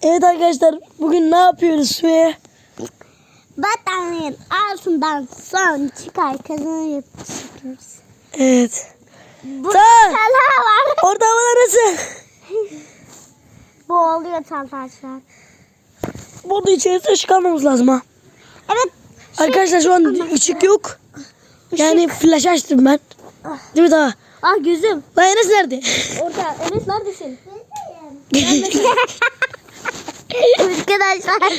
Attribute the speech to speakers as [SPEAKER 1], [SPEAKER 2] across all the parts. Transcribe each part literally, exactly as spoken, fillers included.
[SPEAKER 1] Evet arkadaşlar, bugün ne yapıyoruz Sümeyye?
[SPEAKER 2] Battaniyenin altından son çıkar kazanı yapıyoruz.
[SPEAKER 1] Evet.
[SPEAKER 2] Bu
[SPEAKER 1] Tamam.
[SPEAKER 2] talha var.
[SPEAKER 1] Orada havalar nasıl?
[SPEAKER 2] Boğuluyor talhaçlar.
[SPEAKER 1] Burada içerisinde ışık almamız lazım ha.
[SPEAKER 2] Evet.
[SPEAKER 1] Arkadaşlar şu an ışık yok. Yani flash açtım ben. Değil mi daha?
[SPEAKER 2] Ah gözüm.
[SPEAKER 1] Lan Enes nerede?
[SPEAKER 2] Orada. Enes neredesin? Arkadaşlar.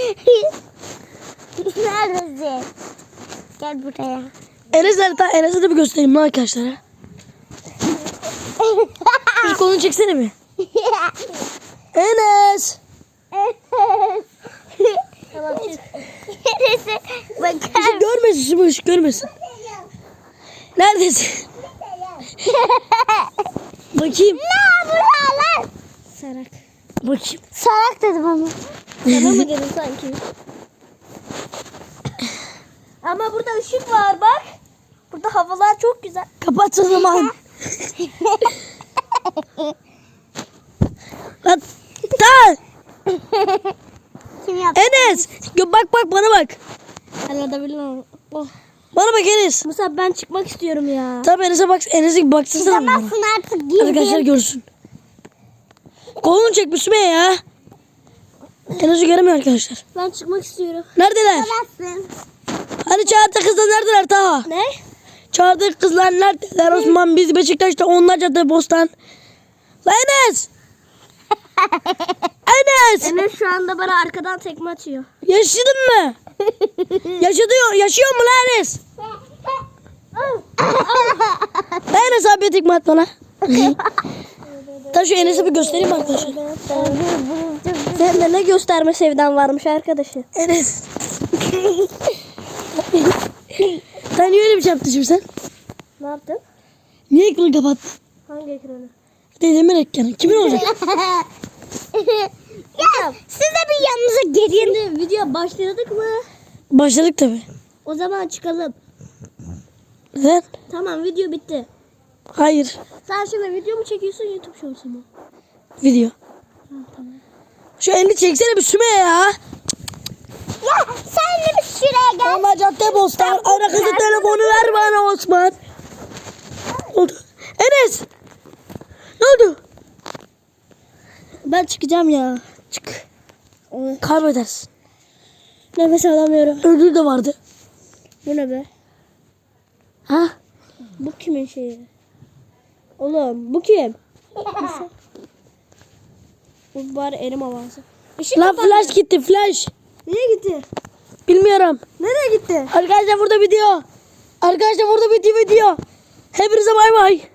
[SPEAKER 2] Neredesin? Gel buraya.
[SPEAKER 1] Enes nerede? Ta Enes'e de bir göstereyim lan arkadaşlara. Bir kolunu çeksene mi? Enes.
[SPEAKER 2] Tamam çık. Enes'e bakar.
[SPEAKER 1] Işık görmesin, şu ışık görmesin. Neredesin? Bakayım.
[SPEAKER 2] Ne buralar? Sarak.
[SPEAKER 1] Bakayım.
[SPEAKER 2] Sarak dedim ama. Sana mı dedim sanki? Ama burada ışık var bak. Burada havalar çok güzel.
[SPEAKER 1] Kapat o zaman. Lan. Lan.
[SPEAKER 2] Kim yaptı?
[SPEAKER 1] Enes. Gö- Bak bak bana bak.
[SPEAKER 2] Arada bilmem. Oh.
[SPEAKER 1] Bana bak Enes.
[SPEAKER 2] Musa ben çıkmak istiyorum ya.
[SPEAKER 1] Tamam Enes'e bak. Enes'e baksana bana.
[SPEAKER 2] Çıkamazsın artık girdim.
[SPEAKER 1] Arkadaşlar görsün. Kolunu çek Müslüme ya. Enes'i göremiyor arkadaşlar.
[SPEAKER 2] Ben çıkmak istiyorum.
[SPEAKER 1] Neredeler?
[SPEAKER 2] Çıkamazsın.
[SPEAKER 1] Hani çağırdı kızlar neredeler Taha?
[SPEAKER 2] Ne?
[SPEAKER 1] Çağırdık kızlar neredeler? Osman biz Beşiktaş'ta onlar cadde bostan. Lan Enes. Enes.
[SPEAKER 2] Enes şu anda bana arkadan tekme atıyor.
[SPEAKER 1] Yaşadın mı? Yaşıyor, yaşıyor mu lan Enes? Lan Enes abi tekme at bana. Tabii şu Enes'e bir göstereyim arkadaşlar.
[SPEAKER 2] Sende ne gösterme sevdan varmış arkadaşı.
[SPEAKER 1] Enes. Sen niye öyle bir şey yaptın şimdi sen?
[SPEAKER 2] Ne yaptın?
[SPEAKER 1] Niye ekranı kapattın?
[SPEAKER 2] Hangi ekranı?
[SPEAKER 1] Dedemin ekranı. Kimin olacak?
[SPEAKER 2] Ya siz de bir yanınıza gelin. Şimdi video başladık mı?
[SPEAKER 1] Başladık tabii.
[SPEAKER 2] O zaman çıkalım.
[SPEAKER 1] Neden?
[SPEAKER 2] Tamam video bitti.
[SPEAKER 1] Hayır.
[SPEAKER 2] Sen şimdi video mu çekiyorsun YouTube shorts'u mu?
[SPEAKER 1] Video.
[SPEAKER 2] Ha, tamam.
[SPEAKER 1] Şu elini çeksene bir Süme ya.
[SPEAKER 2] Ya sen de bir şuraya gel.
[SPEAKER 1] Ama cadde bostan. Ara kızı telefonu ver bana Osman. Ne oldu? Enes. Ne oldu?
[SPEAKER 2] Ben çıkacağım ya.
[SPEAKER 1] Çık. Kaybedersin.
[SPEAKER 2] Nefes alamıyorum.
[SPEAKER 1] Ödül de vardı.
[SPEAKER 2] Bu ne be?
[SPEAKER 1] Ha?
[SPEAKER 2] Bu kimin şeyi? Oğlum bu kim? Nasıl? Bu bari elim havası. Işık
[SPEAKER 1] Lan
[SPEAKER 2] kapandı.
[SPEAKER 1] flash gitti flash.
[SPEAKER 2] Nereye gitti?
[SPEAKER 1] Bilmiyorum.
[SPEAKER 2] Nereye gitti?
[SPEAKER 1] Arkadaşlar burada video. Arkadaşlar burada bitti video. Hepinize bay bay.